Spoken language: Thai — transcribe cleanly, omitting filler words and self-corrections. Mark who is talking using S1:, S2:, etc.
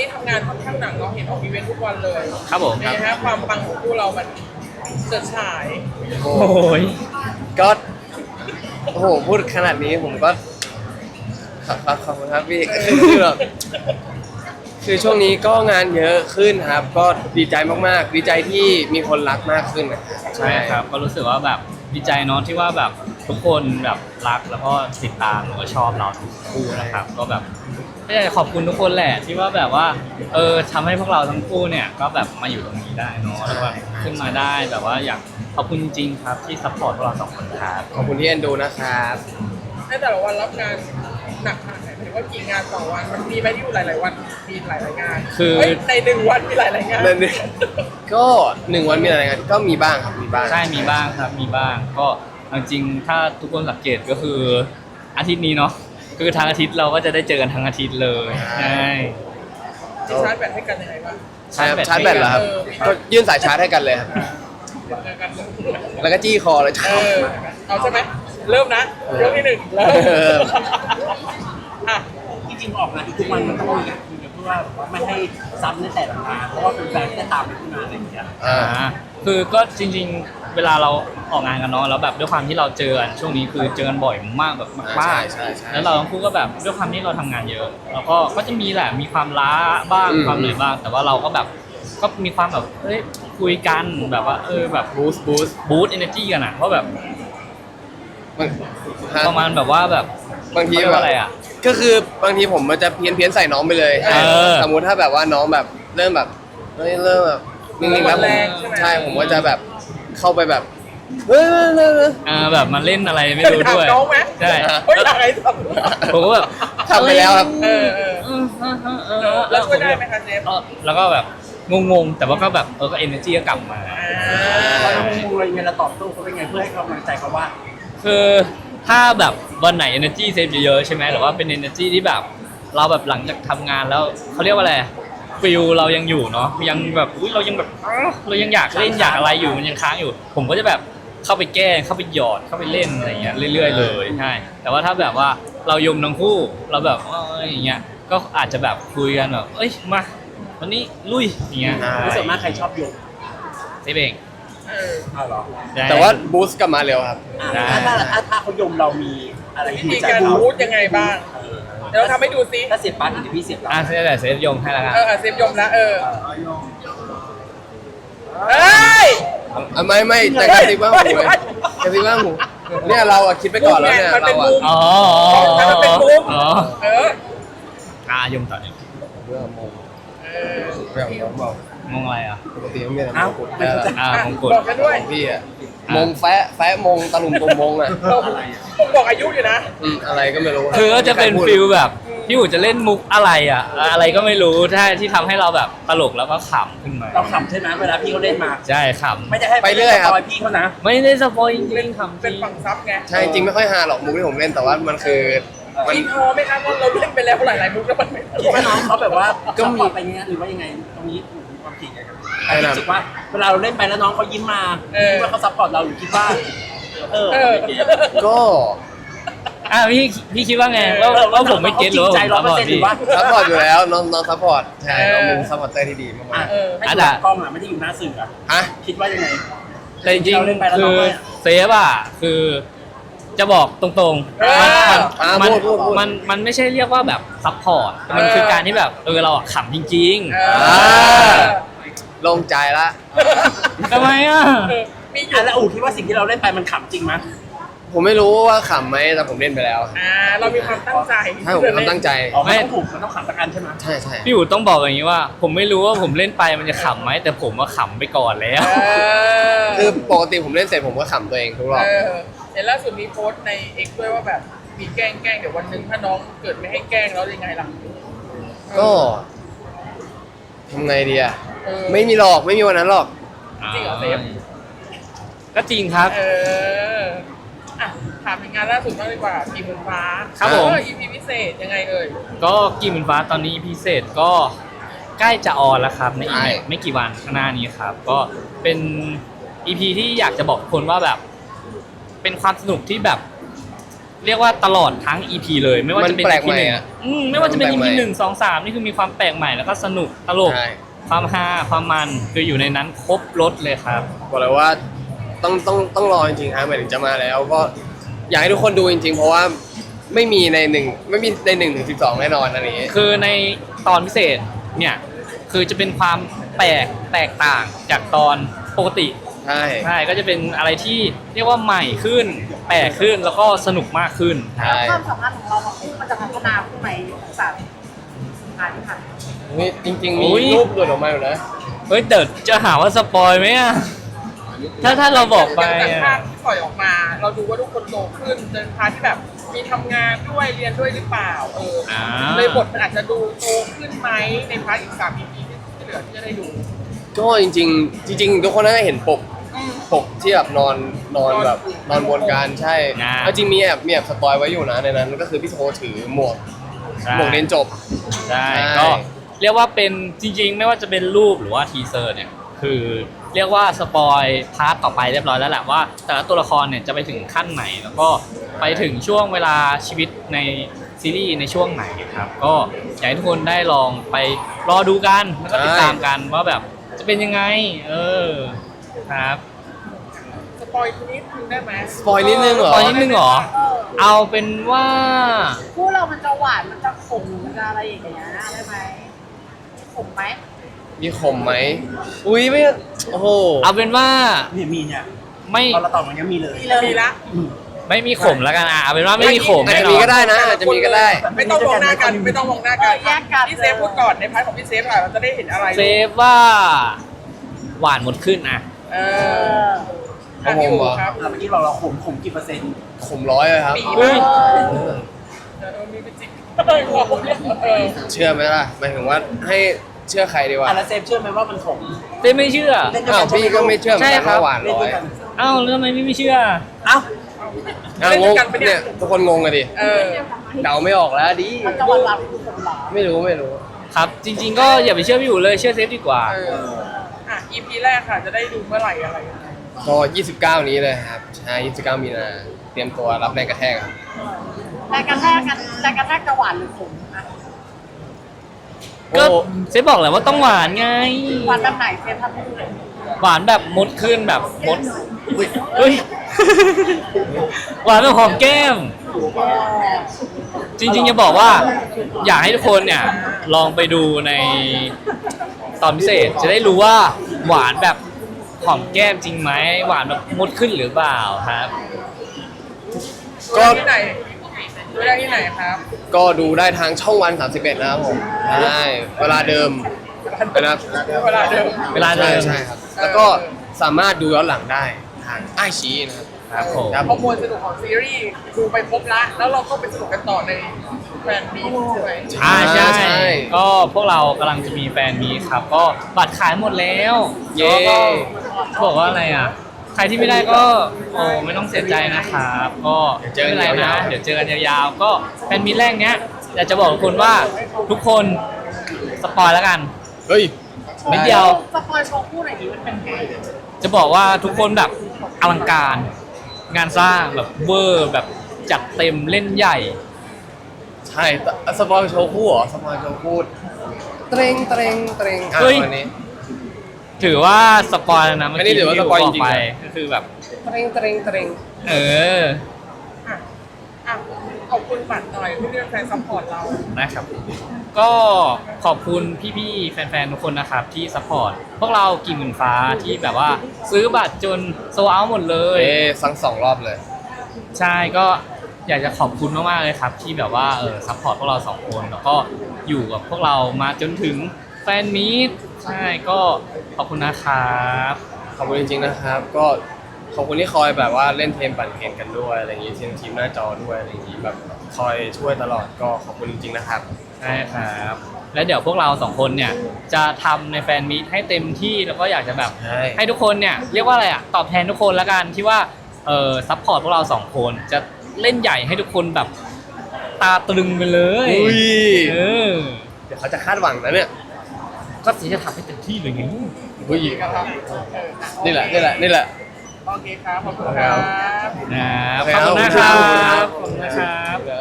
S1: นี้ทำงานค่อนข้างหนักเนาะเห็นออกอีเวนต์ทุกวันเลย
S2: ครับผมครับ
S1: นะฮะความปังของคู่เรามันเจิดฉาย
S2: โอ้ย
S3: ก็โอ้โหพูดขนาดนี้ผมก็ขอบคุณครับพี่ คือแบบคือช่วงนี้ก็งานเยอะขึ้นครับ ก็ดีใจมากๆดีใจที่มีคนรักมากขึ้นนะครับ
S2: ใช่ครับก็รู้สึกว่าแบบดีใจเนาะที่ว่าแบบทุกคนแบบรักแล้วก็ติดตามหรือว่าชอบเราทุกคู่นะครับ ก็แบบก็อยากจะขอบคุณทุกคนแหละที่ว่าแบบว่าทำให้พวกเราทั้งคู่เนี่ยก็แบบมาอยู่ตรงนี้ได้เนาะแล้วก็ขึ้นมาได้แบบว่าอยากขอบคุณจริงๆครับที่ซัพพอร์ตพวกเราสองคนครับ
S3: ขอบคุณที่เอ็นดูนะครับ
S1: ในแต่ละวันรับงานหนักขนาดไหนหมายถึงว่ากี่งานต่อวันมันมีไหมที่อยู่หลายๆวันมีหลายๆงาน
S2: คือ
S1: เฮ้ยในหนึ่งวันมีหลายๆงาน
S3: นั่นเองก็1 วันมีอะไรกันก็มีบ้างครับมีบ้าง
S2: ใช่มีบ้างครับมีบ้างก็จริงๆถ้าทุกคนสังเกตก็คืออาทิตย์นี้เนาะคือทางอาทิตย์เราก็จะได้เจอกันทั้งอาทิตย์เลยใช่
S1: ที่ชาร์จแบตให้กันยังไงบ้าง
S3: ใช่ครับชาร์จแบตเหรอครับก็ยื่นสายชาร์จให้กันเลยครับ
S1: เจอกัน
S3: แล้วก็จี้คอเลย
S1: เอาใช่ไหมเริ่มนะยกที่หนึ่งเริ่มอ่ะ
S4: จริงๆออกงานทุกวันมันต้องมีการคุยกันเพื่อว่าไม่ให้ซ้ำในแต่ละงานเพราะว่าเป็นแฟนที่จะตามไปทุกงานอะไรอย่างเงี้ย
S2: คือก็จริงๆเวลาเราออกงานกันเนาะแล้วแบบด้วยความที่เราเจอกันช่วงนี้คือเจอกันบ่อยมากแบบมาก
S3: ใช่
S2: ๆแล้วเราทั้งคู่ก็แบบด้วยความที่เราทำงานเยอะแล้วก็จะมีแหละมีความล้าบ้างความเหนื่อยบ้าง แต่ว่าเราก็แบบก็มีความแบบเฮ้ยคุยกันแบบว่าแบบบูสต์เอเนอร์จีกันอ่ะเพราะแบบประมาณแบบว่าแบบ
S3: บางที
S2: เขาเรียก
S3: แบ
S2: ว่า
S3: บ
S2: อะไรอ่ะ
S3: ก็คือบางทีผมมันจะเพี้ยนใส่น้องไปเลย สมมุติถ้าแบบว่าน้องแบบเริ่มแบบเริ่มแบบนิ่งๆแล้วผมใช่ผมก็จะแบบเข้าไปแบบเฮ้ย
S2: แบบมาเล่นอะไรไม่รู้ด้วย
S1: ถามน้องไหม
S2: ใช่
S1: เฮ้ยอะไรท
S2: ผมก็แบบ
S3: ทำไปแล้วครับ
S1: ำแล้วช่วยได้ไหมคะเจฟ
S2: แล้วก็แบบงงๆแต่ว่าก็แบบก็ energy ก็กลับมา
S4: พอเรางงอะไรเงี้ยเราตอบโต้เขาเป็นไงเพื่อให้กำลังใจเขาว่า
S2: คือถ้าแบบวันไหน energy เซฟเยอะๆใช่ไหมหรือว่าเป็น energy ที่แบบเราแบบหลังจากทำงานแล้วเขาเรียกว่าอะไรฟิลเรายังอยู่เนาะยังแบบเรายังแบบเรายังอยากเล่นอยากอะไรอยู่มันยังค้างอยู่ ผมก็จะแบบเข้าไปแก้เข้าไปหยอดเข้าไปเล่นอะไรเงี้ยเรื่อยๆเลยใช่แต่ว่าถ้าแบบว่าเรายมทั้งคู่เราแบบอย่างเงี้ยก็อาจจะแบบคุยกันแบบเอ้ยมาวันนี้ลุยอย่างเงี้ย
S4: รู้สึกมากใครชอบโยก
S2: เซฟเอง
S4: เอาเหรอ
S3: แต่ว่าบูสต์กลับมาเร็วครับ
S4: ถ้าเขายมเรามีอะไร
S1: วิ
S4: ที่
S1: ธี
S4: ใจ
S1: การ
S4: เขา
S1: พูดยังไงบ้าง เดี๋ยวเราทำให้ดูซิ
S4: ถ้าเสียบปั๊บเดี๋ยวพี่เสียบเรา
S2: เซฟแต่เซฟยงให้แล้วกัน
S1: เซฟยมนะเอ้ย
S3: ไม่แต่กระซิบว่าหูเลยกระซิบว่าหูเนี่ยเราอะคิดไปก่อนแล้วเนี่ย
S1: มันเป็
S3: เรา
S1: น
S3: อะ
S1: มุม
S2: อ๋อ
S1: มันเป็นมุม
S2: อ๋อ
S1: เออย
S2: มต่อเนี่ย
S3: เรื่องมง
S1: เออ
S3: แบบน้องบอก
S2: งงอะไรอ่ะ
S3: ปกติต้องมีแต่มงกุฎแล้ว
S2: มงกุฎ
S1: บอกกันด้วย
S3: พี่อะมงแฟะมงตะลุมตมมงอะ
S1: ผมบอกอายุอยู่นะ
S3: อะไรก็ไม่รู้
S2: คือก็จะเป็นฟิลแบบพี่อู๋จะเล่นมุกอะไรอ่ะอะไรก็ไม่รู้ที่ทำให้เราแบบตลกแล้วก็ขำขึ้นมา
S4: เราขำใช่ไหมเวลาพี่เขาเล่นมา
S2: ใช่ข
S4: ไม่ได้ให้ไปเรื่อยครับพี่เขานะ
S2: ำไม่ได้สปอยจริงๆขำจ
S1: เป็
S2: ริ
S1: น
S2: ง
S1: ฝั่งซับไง
S3: ใช่จริงไม่ค่อยฮาหรอกมุกที่ผมเล่นแต่ว่ามันคือมัน
S1: พี่พอไหมครับว่าเราเล่นไปแล้วหลายๆมุกแล้วมันไม่
S4: คิดว่าน้องเขาแบบว่าก็มีไปเงี้ยหรือว่ายังไงตรงนี้มีความผิดไงครับรู้สึกว่าเวลาเราเล่นไปแล้วน้องเขายิ้มมาคิดว่าเขาซัพพอร์ตเราหรือคิดว่า
S3: ก็
S2: พี่คิดว่าไงว่าผมไม่เก็ตหรือว่าผมซัพพอร์ตพี่
S3: ซัพพอร์ตอยู่แล้วน้องซัพพอร์ตใช่น้องเป็นซัพพอร์ตเตอร์ที่ดีมาก
S4: ให้ดูกล้องอ่ะไม่ได้อยู่หน้าสื่ออ่ะ
S3: ๆฮะ
S4: คิดว่ายังไง
S2: แต่จริงๆคือเซฟอ่ะคือจะบอกตรงๆมันไม่ใช่เรียกว่าแบบซัพพอร์ตมันคือการที่แบบเราขำจริง
S3: โล่งใจละ
S2: ๆทำไมอ่ะ
S1: มีอยู่
S4: แล้วอู๋คิดว่าสิ่งที่เราเล่นไปมันขำจริงไหม
S3: ผมไม่รู้ว่าขำไหมแต่ผมเล่นไปแล้ว
S1: เรามีความตั้งใจ
S3: ใช่ผมมีความตั้งใจ
S4: ไม่ต้องถูกมันต้องขำสักอันใช่ไหม
S3: ใช่ใช่
S2: พี่อู๋ต้องบอกอย่างนี้ว่า ผมไม่รู้ว่าผมเล่นไปมันจะขำไหมแต่ผมว่าขำไปก่อนแล้ว
S3: คือปกติผมเล่นเสร็จผมก็ขำตัวเองทุกรอบ
S1: เห็นล่าสุดมีโพสต์ใน X ด้วยว่าแบบมีแกล้งเดี๋ยววันหนึ่งถ้าน้องเกิดไม่ให้แกล้งแล้วยังไงล่ะ
S3: ก็ทำไงดีอะไม่มีหรอกไม่มีวันนั้นหรอก
S1: จริงเหรอเซฟ
S2: ก็จริงครับ
S1: อ่ะถามถึงงานล่าสุดบ้างดีกว่าทีมบุญฟ้า
S2: ครับผม
S1: EP พิเศษยังไงเอ่ย
S2: ก็กีมฟ้าตอนนี้พิเศษก็ใกล้จะออนแล้วครับในอีกไม่กี่วันข้างหน้านี้ครับ ก็เป็น EP ที่อยากจะบอกคนว่าแบบ เป็นความสนุกที่แบบเรียกว่าตลอดทั้ง EP เลยไม่ว่าจะเป็น
S3: มันแปลก
S2: EP
S3: ใหม่
S2: หนึ่ง
S3: อะ
S2: ไม่ว่าจะเป็น
S3: มัน
S2: EP
S3: แปลกใหม่
S2: หนึ่งสองสามนี่คือมีความแปลกใหม่แล้วก็สนุกตลก
S3: ใช่
S2: ความฮาความมันคืออยู่ในนั้นครบรถเลยครับ
S3: บอกเลยว่าต้องรอจริงๆฮะหมายถึงจะมาแล้วก็อยากให้ทุกคนดูจริงๆ เพราะว่าไม่มีใน1 ถึง 12แน่นอนอันนี้
S2: คือในตอนพิเศษเนี่ยคือจะเป็นความแตกต่างจากตอนปกติ
S3: ใช่
S2: ใช่ก็จะเป็นอะไรที่เรียกว่าใหม่ขึ้นแปลกขึ้นแล้วก็สนุกมากขึ้น
S3: ใช่
S5: ความสามารถของเรามันจะพัฒนาขึ้นไหมสามอันค่ะ
S3: นี่จริงๆ
S2: โอ้
S3: มี
S2: ย
S3: รูปหลุดออกมาอยู่นะ
S2: เฮ้ยเดี๋ยวจะหาว่าสปอยไหมอะถ้าเราบอกไป
S1: จาก
S2: อะ
S1: ภาพที่ปล่อยออกมา เราดูว่าทุกคนโตขึ้นเดินพาร์ทที่แบบมีทำงานด้วยเรียนด้วยหรือเปล่าเลยบทมันอาจจะดูโตขึ้นไหมในพาร์ทอีก3 EP ที่เหลือที่จะได้ดู
S3: ก็จริงๆทุกคนน่าจะเห็นปกที่แบบนอนแบบนอนบนกันใช่
S2: อ่า
S3: เอาจริงมีแอบสปอยไว้อยู่นะในนั้นก็คือพี่โทถือหมวกเรียนจบ
S2: ใช่
S3: ใช่
S2: ก็เรียกว่าเป็นจริงๆ ไม่ว่าจะเป็นรูปหรือว่าทีเซอร์เนี่ยคือเรียกว่าสปอยพาร์ทต่อไปเรียบร้อยแล้วแหละว่าแต่ละตัวละครเนี่ยจะไปถึงขั้นไหนแล้วก็ไปถึงช่วงเวลาชีวิตในซีรีส์ในช่วงไหนครับก็อยากให้ทุกคนได้ลองไปรอดูกันแล้วก็ติดตามกันว่าแบบจะเป็นยังไงครับ
S1: สปอยนิดนึงได้ไหม
S3: สปอยนิดนึงเหรอ
S2: ตอนนิดนึงเหรอ เอาเป็นว่า
S5: คู่เรามันจะหวานมันจะขมมันจะอะไรอย่างเงี้ยได้ไหมขมไหม
S3: มีขมไหมอุ้ยไม่โอ้โห
S2: เอาเป็นว่า
S4: มีเนี่ย
S2: ไม่
S4: ตอนเราตอบมันยังมีเลย
S1: มีละ
S2: ไม่มีขมแล้วกันเอาเป็นว่าไม่มีขม
S3: อาจ
S2: แน่
S3: จะ
S2: น
S3: มี
S2: อน
S3: ก็ได้นะอาจจะมีก็ได้
S1: ไม่ต้องมองหน้ากันไม่ต้องมองหน้ากันพี่เซฟพูดก่อนในพาร์ทของพี่เซฟค่ะเราจะได้เห็นอะไร
S2: เซฟว่าหวานหมดขึ้นอ่ะ
S1: เอ
S5: เอ
S1: อ
S5: อ
S1: พี่อู๋ครับ
S4: เมื่อกี้เราขมกี่เปอร์เซ็นต์
S3: ขมร้อยเลยครับ
S1: ปี
S2: เฮ้ย
S1: มีเป็นจิกเออ
S3: เชื่อไหมล่ะหมายถึงว่าให้เชื่อใครดีวะ
S4: แล้วเซฟเชื่อไหมว่ามันขม
S2: เซฟไม่เชื่อ
S4: เล่นด้วย
S3: อ้า
S4: กั
S3: วน พี่ก็ไม่เชื่อเหมือนกัน
S2: ใช่ครับ
S3: ว่าหวาน
S4: เล่น
S3: ร้อ
S4: ด้วย ยกัน
S2: เอ้าแล้วทำไมไม่เชื่อ
S4: เอ้า
S3: อ้าวงงเนี่ยทุกคนงงกันดิ
S1: เออ
S3: เดาไม่ออกแล้วดิ
S5: มันจะหวานหวานคือขมหรอ
S3: ไม่รู้
S2: ครับ จริง ๆ ก็อย่าไปเชื่อพี่อยู่เลยเชื่อเซฟดีกว่า
S1: เอออ่ะ EP แรกค่ะจะได้ดูเมื่อไหร่อะไรยังไง
S3: ก็ 29 นี้เลยครับใช่29 มีนาเตรียมตัวรับแรงกระแทกครับ
S5: แรงกระแทกจะหวานหรือขมอะ
S2: ก็
S3: โอ้
S2: เซฟบอกแหละว่าต้องหวานไง
S5: หวานแบบไหนเซฟทำให้ดูหน่อย
S2: หวานแบบมดขึ้นแบบมดเฮ้ย หวานแบบหอมแก้ม จริงๆจะบอกว่าอยากให้ทุกคนเนี่ยลองไปดูในตอนพิเศษจะได้รู้ว่าหวานแบบหอมแก้มจริงไหมหวานแบบมดขึ้นหรือเปล่าครับ
S1: ดูได้ที่ไหนดูได้ที่ไหนครับ
S3: ก็ดูได้ทางช่องวัน 31 นะครับผมใช่เวลาเดิมนะครับ
S1: เวลาเดิม
S2: เวลาเดิม
S3: ใช่ครับ แล้วก็สามารถดูย้อนหลังได้ทางไอชีนะครับ
S2: ครับผม
S3: ครับ
S1: ข้อมูลสนุกของซีรีส์ดูไปครบละแล้วเราก็ไปสนุกกันต่อในแฟนมีตใช่ไหม
S2: ใช่ก็พวกเรากำลังจะมีแฟนมีตครับ ก็บัตรขายหมดแล้ว
S3: เย้
S2: แล้วก็บอกว่าอะไรอ่ะ ใครที่ไม่ได้ก็โอ้ไม่ต้องเสียใจนะครับ ก็ไม่เป็นไรนะ เดี๋ยวเจอกันยาวๆ ก็แฟนมีตแรกเนี้ยอยากจะบอกทุกคนว่าทุกคนสปอยแล้วกัน
S3: เฮ้ย
S2: นิดเดียว
S5: สปอยโชว์คู่ไหนดีมันเป็นไง
S2: จะบอกว่าทุกคนแบบอลังการ งานสร้างแบบเวอร์แบบจัดเต็มเล่นใหญ่
S3: ใช่สปอยโชว์คู่เหรอสปอยโชว์คู่เตรงอ่ะ
S2: เฮ้ย
S3: วันนี้
S2: ถือว่าสปอยแล้วนะเมื่อ
S3: อันนี้
S2: กี้
S3: ถือว่า
S2: ที่
S3: สปอย
S2: บก
S3: จริงๆ
S2: ไป
S3: นะ
S2: ก็คือแบบ
S3: เตรง
S2: เออ
S1: อ่ะอ่ะขอบคุณบัตรหน่อยที่เป็นแฟนซัพพอร์ตเรา
S2: นะครับ ก็ขอบคุณพี่ๆแฟนๆทุกคนนะครับที่ซัพพอร์ตพวกเรากี่หมื่นฟ้าที่แบบว่าซื้อบัตรจนโซเอาหมดเลย
S3: สั่ง2 รอบเลย
S2: ใช่ก็อยากจะขอบคุณมากๆเลยครับ ที่แบบว่าซัพพอร์ตพวกเราสองคนแล้วก็อยู่กับพวกเรามาจนถึงแฟนมีตใช่ก็ขอบคุณนะครับ
S3: ขอบคุณจริงๆนะครับ ก็ขอบคุณที่คอยแบบว่าเล่นเทมปั่นเกมกันด้วยอะไรอย่างงี้ทีมหน้าจอด้วยอะไรอย่างงี้แบบคอยช่วยตลอดก็ขอบคุณจริงๆนะครับ
S2: ใช่ครับ แล้วเดี๋ยวพวกเราสองคนเนี่ยจะทำในแฟนมีตให้เต็มที่แล้วก็อยากจะแบบ
S3: ใช่
S2: ให้ทุกคนเนี่ยเรียกว่าอะไรอ่ะตอบแทนทุกคนแล้วกันที่ว่าซัพพอร์ตพวกเราสองคนจะเล่นใหญ่ให้ทุกคนแบบตาตรึงไปเลย
S3: อุ้ย
S2: เออ
S3: เดี๋ยวเขาจะคาดหวังนะเนี่ย
S2: ก็สีจะทำให้เต็มที่เลยไง
S3: อุ้ย
S1: นะครับ
S3: นี่แหละ
S1: โอเคครับขอบคุณครับ
S2: นะครับขอบคุณนะครับ
S3: ขอบคุณครับ
S2: ขอบคุณนะครับ